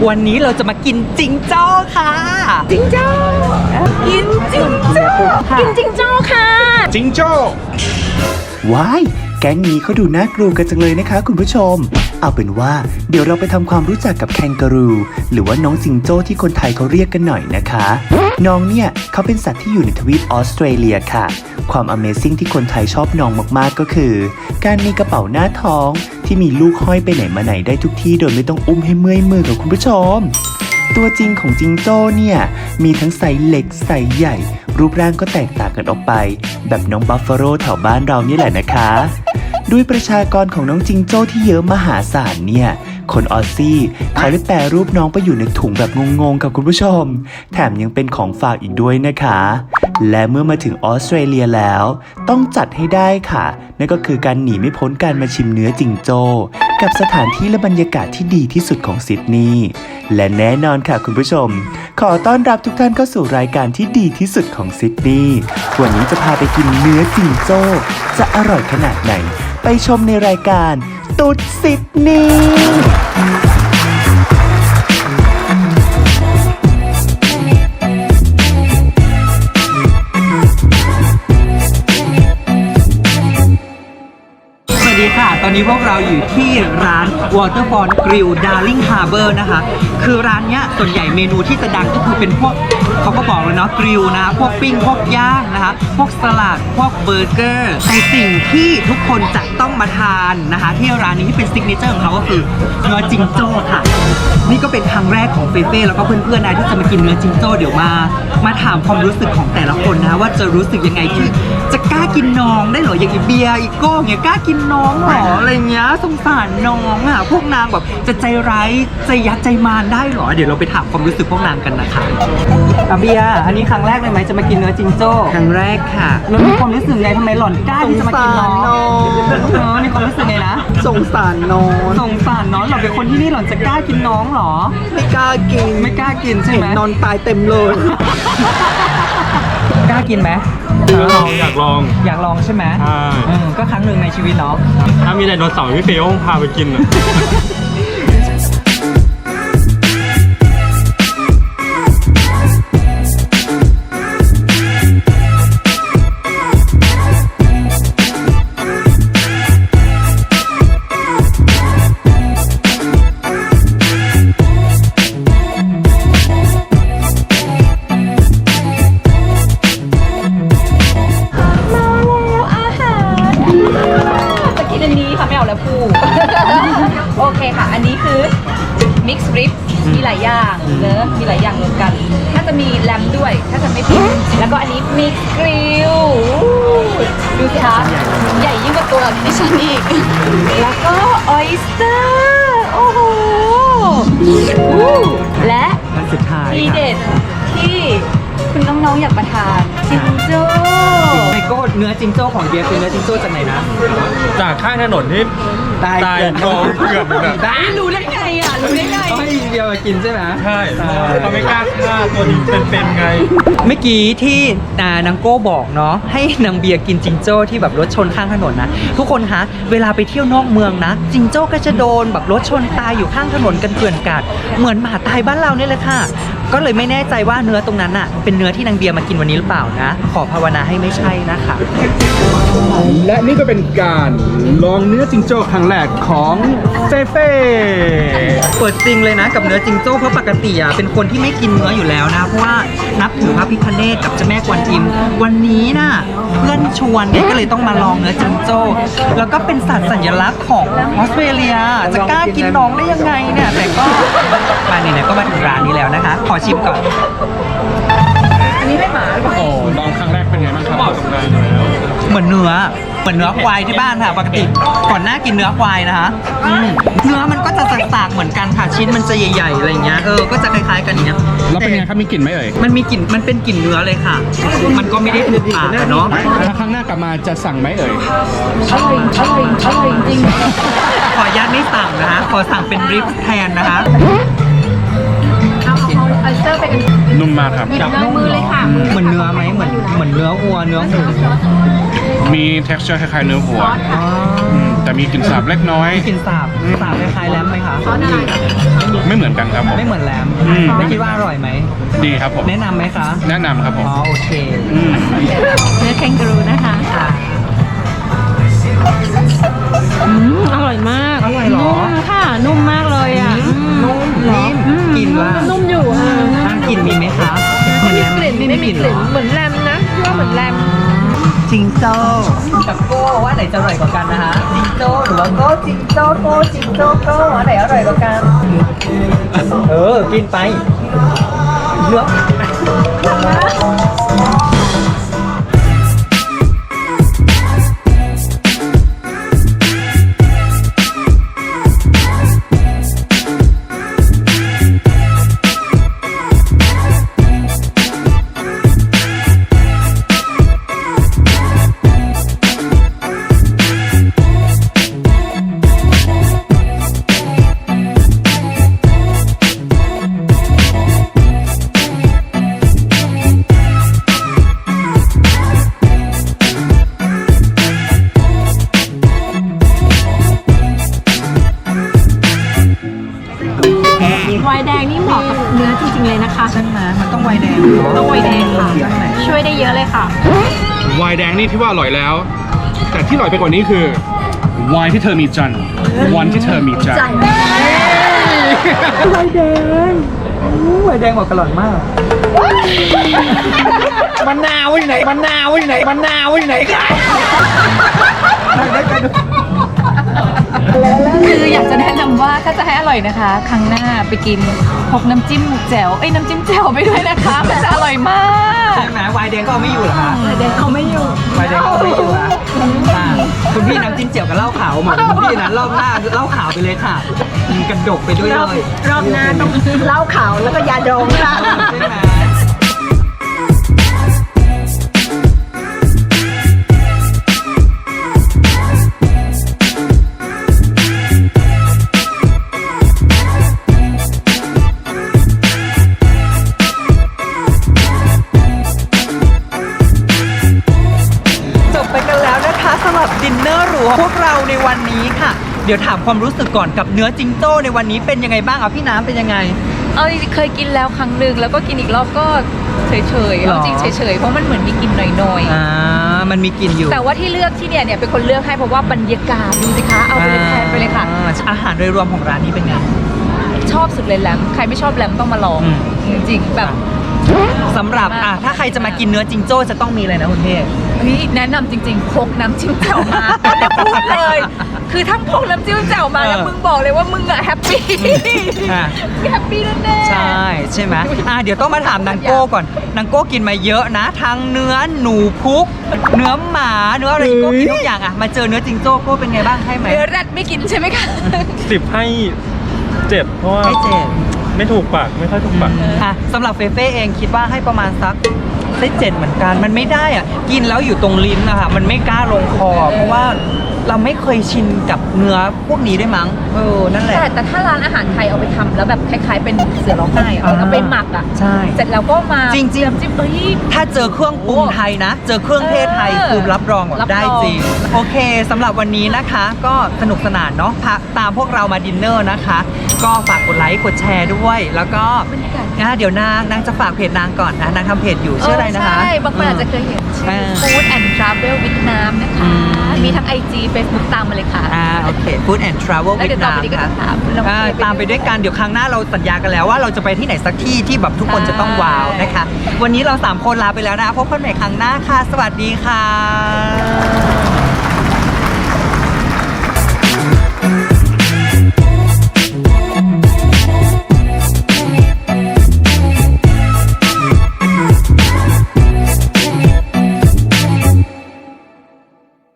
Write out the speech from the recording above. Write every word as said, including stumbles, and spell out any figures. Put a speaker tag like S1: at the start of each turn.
S1: วันนี้เราจะมากินจิงโจ้ค่ะจิงโจ้กินจิงโจ้กินจิงโจ้ค่ะ
S2: จิงโจ้
S3: ว้ายแก๊งนี้เขาดูน่ากลัวกันจังเลยนะคะคุณผู้ชมเอาเป็นว่าเดี๋ยวเราไปทำความรู้จักกับแคนการูหรือว่าน้องจิงโจ้ที่คนไทยเขาเรียกกันหน่อยนะคะน้องเนี่ยเขาเป็นสัตว์ที่อยู่ในทวีปออสเตรเลียค่ะความ Amazing ที่คนไทยชอบน้องมากๆก็คือการมีกระเป๋าหน้าท้องที่มีลูกห้อยไปไหนมาไหนได้ทุกที่โดยไม่ต้องอุ้มให้เมื่อยมือกับคุณผู้ชมตัวจริงของจิงโจ้เนี่ยมีทั้งไซส์เล็กไซส์ใหญ่รูปร่างก็แตกต่างกันออกไปแบบน้องบัฟฟาโลแถวบ้านเรานี่แหละนะคะด้วยประชากรของน้องจิงโจ้ที่เยอะมหาศาลเนี่ยคนออสซี่เขาได้แปรรูปน้องไปอยู่ในถุงแบบงงๆกับคุณผู้ชมแถมยังเป็นของฝากอีกด้วยนะคะและเมื่อมาถึงออสเตรเลียแล้วต้องจัดให้ได้ค่ะนั่นก็คือการหนีไม่พ้นการมาชิมเนื้อจิงโจ้กับสถานที่และบรรยากาศที่ดีที่สุดของซิดนีย์และแน่นอนค่ะคุณผู้ชมขอต้อนรับทุกท่านเข้าสู่รายการที่ดีที่สุดของซิดนีย์วันนี้จะพาไปกินเนื้อจิงโจ้จะอร่อยขนาดไหนไปชมในรายการตุ๊ดซิดนีย์
S1: สวัสดีค่ะตอนนี้พวกเราอยู่ที่ร้าน Waterfront Grill Darling Harbour นะคะคือร้านเนี้ยส่วนใหญ่เมนูที่จะดังก็คือเป็นพวกเขาก็บอกเลยเนาะกริลนะพวกปิ้งพวกย่างนะคะพวกสลัดพวกเบอร์เกอร์แต่สิ่งที่ทุกคนจะต้องมาทานนะคะที่ร้านนี้ที่เป็นซิกเนเจอร์ของเขาก็คือเนื้อจิงโจ้ค่ะนี่ก็เป็นครั้งแรกของเฟเฟ่แล้วก็เพื่อนๆนะที่จะมากินเนื้อจิงโจ้เดี๋ยวมามาถามความรู้สึกของแต่ละคนนะว่าจะรู้สึกยังไงที่จะกล้ากินน้องได้เหรออย่างอีเบียร์อีโก้เนี่ยกล้ากินน้องหรออะไรเงี้ยสงสารน้องอ่ะพวกนางแบบจะใจร้ายใจยัดใจมารได้เหรอเดี๋ยวเราไปถามความรู้สึกพวกนางกันนะคะอาเบียร์อันนี้ครั้งแรกเลยไหมจะมากินเนื้อจิงโจ้ครั้งแรกค่ะแล้วมีความรู้สึกไงทำไมหล่อนกล้าที่จะมากินน้องเออมีความรู้สึกไงนะ
S2: สงสารน้อง
S1: สงสารน้องหล่อนเป็นคนที่นี่หล่อนจะกล้ากินน้องหรอ
S2: ไม่กล้ากิน
S1: ไม่กล้ากินใช่ไหม
S2: นอนตายเต็มเลย
S1: กล้ากินไหม
S4: อยากลองอยากลอง
S1: อยากลองใช่ไหมใช่ก็ครั้งหนึ่งในชีวิตเนาะ
S4: ถ้ามีไดโนเสาร์พี่เฟย์คงพาไปกินอ่ะ
S5: โอเคค่ะอันนี้คือ mix rib มีหลายอย่างเนอะมีหลายอย่างรวมกันถ้าจะมีแลมด้วยถ้าจะไม่ผิดแล้วก็อันนี้ mix grill ดูสิคะใหญ่ยิ่งกว่าตัวดิฉันอีกแล้วก็ oyster โอ้โหและ
S1: สุดท้าย
S5: ทีเด็ดที่คุณน้องๆอยากมาทานจิงโจ้
S1: ไอโก้เนื้อจิงโจ้ของเบียร์คือเนื้อจิงโจ้จากไหนนะ
S4: จากข้างถนนที่
S1: ตาย
S4: เกือบเกือบอยู่แบบ
S5: รู้ได้ไงอ่ะรู้ได้ไง
S1: ให้เบียร์มากินใช่ไหม
S4: ใช่เขาไม่กล้าฆ่าตัวนี้เป็นๆไง
S1: เมื่อกี้ที่นางโก้บอกเนาะให้นางเบียร์กินจิงโจ้ที่แบบรถชนข้างถนนนะทุกคนคะเวลาไปเที่ยวนอกเมืองนะจิงโจ้ก็จะโดนแบบรถชนตายอยู่ข้างถนนกันเกลื่อนกาดเหมือนหมาตายบ้านเราเนี่ยเลยค่ะก็เลยไม่แน่ใจว่าเนื้อตรงนั้นน่ะเป็นเนื้อที่นางเบียร์มากินวันนี้หรือเปล่านะขอภาวนาให้ไม่ใช่นะคะ
S2: และนี่ก็เป็นการลองเนื้อจิงโจ้ครั้งแรกของเฟเฟ่
S1: เปิดจริงเลยนะกับเนื้อจิงโจ้เพราะปกติอ่ะเป็นคนที่ไม่กินเนื้ออยู่แล้วนะเพราะว่านับถือพระพิฆเนศกับเจ้าแม่กวนอิมวันนี้น่ะเพื่อนชวนเนี่ยก็เลยต้องมาลองเนื้อจิงโจ้แล้วก็เป็นสัตว์สัญลักษณ์ของออสเตรเลียจะกล้ากินน้องได้ยังไงเนี่ยแต่ก็มาไหนๆก็มาถึงร้านนี้แล้วนะคะขอชิมก่อน
S5: อันนี้ไม่หมาหรือเปล่า
S4: โอ้ลองครั้งแรกเป็นไงบ้างครับบอกกับนาย
S1: เหมือนเนื้อเหมือนเนื้อควายที่บ้านค่ะปกติก่อนหน้ากินเนื้อควายนะคะเนื้อมันก็จะสากๆเหมือนกันค่ะชิ้นมันจะใหญ่ๆอะไรเงี้ยเออก็จะคล้ายๆกันอย่างเงี้ย
S2: แล้วเป็นไงครับมีกลิ่นไหมเอ่ย
S1: มันมีกลิ่นมันเป็นกลิ่นเนื้อเลยค่ะมันก็ไม่ได้ถูกปากเนาะ
S2: ถ้าครั้งหน้ากลับมาจะสั่งไหมเอ่ย
S5: อร่อยอร่อยอร่อยจริง
S1: ขออนุญาตไม่สั่งนะคะขอสั่งเป็นริบแทนนะคะ
S5: เอาเซอร์ไปกัน
S4: นุ่มมากครับ
S5: จับมือเลยค่ะ
S1: เหมือนเนื้อไหมเหมือนเหมือนเนื้อวัวเนื้อหมู
S4: มี texture คล้ายๆเนื้อวัวแต่มีกลิ่นสาบเล็กน้อย
S1: มีกลิ่นสาบสาบคล้ายๆแรมไหมคะ
S4: ไม่เหมือนกันครับผม
S1: ไม่เหมือนแรม
S4: อืม
S1: แล้วคิดว่าอร่อยไหม
S4: ดีครับผม
S1: แนะนำไหมคะ
S4: แนะนำครับผม
S1: อ๋อโอเค
S4: อืม
S5: เนื้อแคนการูนะคะ
S1: ค่ะ
S6: อืมอร่อยมาก
S1: อร่อยเหรอ
S6: นุ่มค่ะ นุ่มมากเลยอ่ะ
S1: นุ่มนิ่ม
S6: อืม
S1: กลิ่นล่ะ
S6: นุ่มอยู่ค่ะ
S1: ทางกลิ่นมีไหมคะเหมือนแรม
S6: กลิ่น
S1: ไม่
S6: ไม่
S1: มี
S6: มี
S1: ก
S6: ก
S1: ลิ่น
S6: ลิ่น
S1: เหรอ
S6: เหมือนแรมนะพี่ว่าเหมือนแรม
S1: จิงโจ้กับโก้ว่าไหนจะอร่อยกว่ากันนะคะจิงโจ้หรือว่าโก้จิงโจ้โก้จิงโจ้โก้ว่าไหนอร่อยกว่ากันเออกินไปเลือก
S6: ไวน์แดงนี่เหมาะกับเนื้อจริงๆเลยนะคะ
S1: ใช่ไหมมันต้องไวน์แดงเหรอ
S6: ต้องไวน์แดงค่ะ
S1: ใช่ไหม
S6: ช่วยได้เยอะเลยค่ะ
S4: ไวน์แดงนี่ที่ว่าอร่อยแล้ว แต่ที่อร่อยไปกว่านี้คือไวน์ที่เธอมีจันทร์วันที่เธอมีใจ
S1: ไวน์แดงอู้ไวน์แดงบอกกระหล่อนมากมะนาวที่ไหนมะนาวที่ไหนมะนาวที่ไหนกันได้กันดู
S5: คืออยากจะแนะนำว่าถ้าจะให้อร่อยนะคะ ครั้งหน้าไปกินพกน้ำจิ้มแจ่วเอ้ยน้ำจิ้มแจ่วไปด้วยนะคะมันจะอร่อยมาก
S1: ใช่ไหมไวน์แดงก็เอาไม่อยู่เหรอคะ
S6: ไวน์แดงเขาไม่อยู่
S1: ไวน์แดงก็เอาไม่อยู่อะอ่ะคุณพี่น้ำจิ้มเจียวกับเหล้าขาวเหมือนคุณพี่นะรอบหน้าเหล้าขาวไปเลยค่ะกินกระดกไปด้วย
S6: ร
S1: เล
S6: อบ
S1: ย
S6: รอบหน้าต้องเหล้าขาวแล้วก็ยาดองค่ะ
S1: ใช่ไหม จบไปกันแล้วนะคะสำหรับดินเนอร์หรูของพวกเราในวันนี้ค่ะ เดี๋ยวถามความรู้สึกก่อนกับเนื้อจิงโจ้ในวันนี้เป็นยังไงบ้างอ่ะพี่น้ำเป็นยังไง
S5: เอาจริงๆเคยกินแล้วครั้งหนึ่งแล้วก็กินอีกรอบก็เฉยๆ
S1: หรอ
S5: เอาจริงเฉยๆเพราะมันเหมือนมีกลิ่นหน่อย
S1: อ่ามันมีกลิ่นอยู่
S5: ๆแต่ว่าที่เลือกที่เนี่ยเนี่ยเป็นคนเลือกให้เพราะว่าบรรยากาศดูสิคะเอาไปเลยแทนไปเลยค่ะ
S1: อ่าอาหารโดยรวมของร้านนี้เป็นไง
S5: ชอบสุดเลยแลมใครไม่ชอบแลมต้องมาลอง
S1: อืม
S5: จริงๆแบบ
S1: สำหรับอ่ะถ้าใครจะมากินเนื้อจิงโจ้จะต้องมีอะไรนะคุณเทพ
S5: เฮ้ยแนะนำจริงๆพกน้ำจิ้มแจ่วมาแต่พูดเลย คือทั้งพกน้ำจิ้มแจ่วมาแล้ว
S1: เออ
S5: มึงบอกเลยว่ามึงอะแฮปปี้
S1: อ่ะ
S5: แฮปปี้แน่ๆ
S1: ใช่ใช่ไหมอ่ะเดี๋ยวต้องมาถามนางโก้ก่อนนางโก้กินมาเยอะนะ ทั้งเนื้อหนูพุก เนื้อหมาเนื้ออะไรโก้กินทุกอย่างอ่ะมาเจอเนื้อจิงโจ้โก้เป็นไงบ้างให้ไหม
S5: เนื้อแรดไม่กินใช่ไหมคะ
S4: สิบให้เจ็ดเพราะว่า
S1: ให้เจ็ด
S4: ไม่ถูกปากไม่ค่อยถูกปาก
S1: อ่ะสำหรับเฟเฟ่เองคิดว่าให้ประมาณสักได้เจ็ดเหมือนกันมันไม่ได้อ่ะกินแล้วอยู่ตรงลิ้นอะค่ะมันไม่กล้าลงคอ เพราะว่าเราไม่เคยชินกับเนื้อพวกนี้ด้วยมั้งเออนั่นแหละ
S5: แต่แต่ถ้าร้านอาหารไทยเอาไปทำแล้วแบบคล้าย ๆ เป็นเสือร้องไห้อะ
S1: อ่า
S5: เอาไปหมักอ่ะ
S1: ใช่
S5: เสร็จแล้วก็มา
S1: จริงๆ
S5: น้ำจิ้มเอ้ย
S1: ถ้าเจอเครื่องปรุงไทยนะ เจอเครื่องเทศไทย
S5: เออ
S1: คือรับรองแบบ
S5: รับรอง
S1: ได้จริง โอเคสำหรับวันนี้นะคะ ก็สนุกสนานเนาะพาตามพวกเรามาดินเนอร์นะคะ ก็ฝากกดไลค์กดแชร์ด้วย แล้วก็นะเดี๋ยวนางนางจะฝากเพจนางก่อนนะนางทำเพจอยู่ชื่ออะไรนะคะ
S5: ใช่บางคนอาจจะเคยเห็นชื่
S1: เอ
S5: อ
S1: อ
S5: Food and Travel เวียดนามนะคะ
S1: อืม
S5: มีทั้ง ไอ จี Facebook ตามมาเลยค่ะ
S1: อ่าโอเค Food and Travel
S5: แล้ว
S1: เวี
S5: เดี๋
S1: ย
S5: ยว
S1: ด
S5: ต่อน
S1: าม
S5: ไปนี้ก็
S1: ค่ะ
S5: จะตามเรา
S1: อ่า
S5: ไป
S1: ตามไปด้วยกันเดี๋ยวครั้งหน้าเราสัญญากันแล้วว่าเราจะไปที่ไหนสักที่ที่แบบทุกคนจะต้องว้าวนะคะ วันนี้เราสามคนลาไปแล้วนะพบกันใหม่ครั้งหน้าค่ะ สวัสดีค่ะ